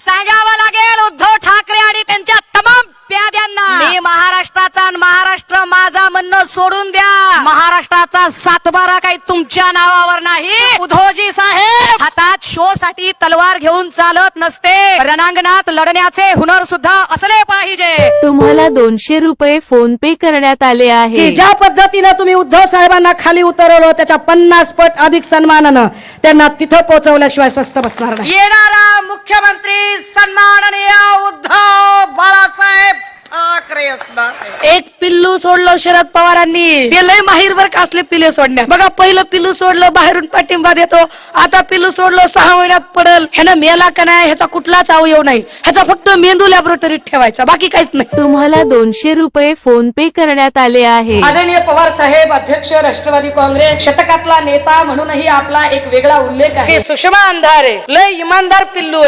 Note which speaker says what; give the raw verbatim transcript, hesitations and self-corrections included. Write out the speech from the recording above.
Speaker 1: सांगावं लागेल उद्धव ठाकरे आणि त्यांच्या तमाम प्याद्यांना, मी महाराष्ट्राचा आणि महाराष्ट्र माझा म्हणणं सोडून द्या. महाराष्ट्राचा सातबारा काही तुमच्या नावावर नाही. उद्धवजी साहेब हातात शो साठी तलवार घेऊन चालत नसते. रणांगणात लढण्याचे हुनर सुद्धा असले पाहिजे.
Speaker 2: तुम्हाला दोनशे रुपये फोन पे करण्यात आले आहे.
Speaker 3: की ज्या पद्धतीनं तुम्ही उद्धव साहेबांना खाली उतरवलं त्याच्या पन्नास पट अधिक सन्मानानं त्यांना तिथं पोहोचवल्याशिवाय स्वस्त बसणार नाही.
Speaker 1: येणारा मुख्यमंत्री सन्माननीय उद्धव बाळासाहेब ठाकरे असणार.
Speaker 4: एक पिल्लू सोडलं शरद पवारांनी, ते लय माहीरवर का असले पिल्ले सोडण्यात. बघा पहिलं पिल्लू सोडलं बाहेरून पाठिंबा देतो, आता पिल्लू सोडलं सहा महिन्यात पडल. ह्यानं मेला का नाही ह्याचा कुठलाच अवयव नाही, ह्याचा फक्त मेंदू लॅबोरेटरीत ठेवायचा, बाकी काहीच नाही.
Speaker 2: तुम्हाला दोनशे रुपये फोन पे करण्यात आले आहे.
Speaker 3: आदरणीय पवार साहेब अध्यक्ष राष्ट्रवादी काँग्रेस, शतकातला नेता म्हणूनही आपला एक वेगळा उल्लेख आहे.
Speaker 4: सुषमा अंधारे लय इमानदार पिल्लू.